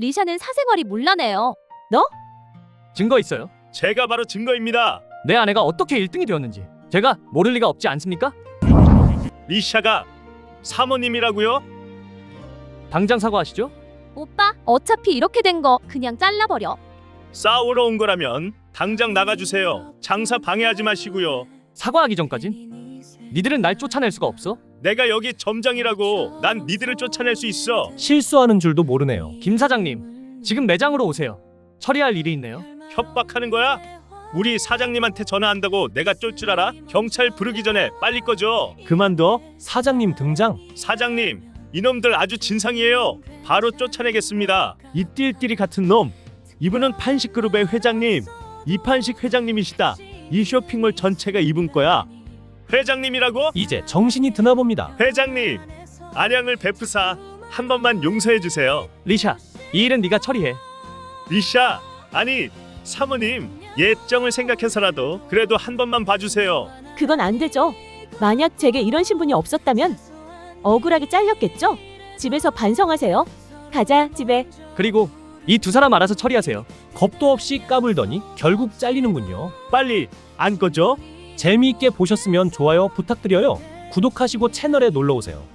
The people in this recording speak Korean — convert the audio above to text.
리샤는 사생활이 문란해요. 증거 있어요? 제가 바로 증거입니다. 내 아내가 어떻게 1등이 되었는지 제가 모를 리가 없지 않습니까? 리샤가 사모님이라고요? 당장 사과하시죠. 오빠, 어차피 이렇게 된 거 그냥 잘라버려. 싸우러 온 거라면 당장 나가주세요. 장사 방해하지 마시고요. 사과하기 전까진 니들은 날 쫓아낼 수가 없어. 내가 여기 점장이라고. 난 니들을 쫓아낼 수 있어. 실수하는 줄도 모르네요. 김 사장님, 지금 매장으로 오세요. 처리할 일이 있네요. 협박하는 거야? 우리 사장님한테 전화한다고 내가 쫄 줄 알아? 경찰 부르기 전에 빨리 꺼줘. 그만둬. 사장님 등장. 사장님, 이놈들 아주 진상이에요. 바로 쫓아내겠습니다. 이 띨띨이 같은 놈. 이분은 판식그룹의 회장님. 이판식 회장님이시다. 이 쇼핑몰 전체가 이분 거야. 회장님이라고? 이제 정신이 드나 봅니다. 회장님, 안양을 베푸사 한 번만 용서해 주세요. 리샤, 이 일은 네가 처리해. 리샤, 아니 사모님, 예정을 생각해서라도 그래도 한 번만 봐주세요. 그건 안 되죠. 만약 제게 이런 신분이 없었다면 억울하게 잘렸겠죠? 집에서 반성하세요. 가자, 집에. 그리고 이 두 사람 알아서 처리하세요. 겁도 없이 까불더니 결국 잘리는군요. 빨리 안 꺼져? 재미있게 보셨으면 좋아요 부탁드려요. 구독하시고 채널에 놀러오세요.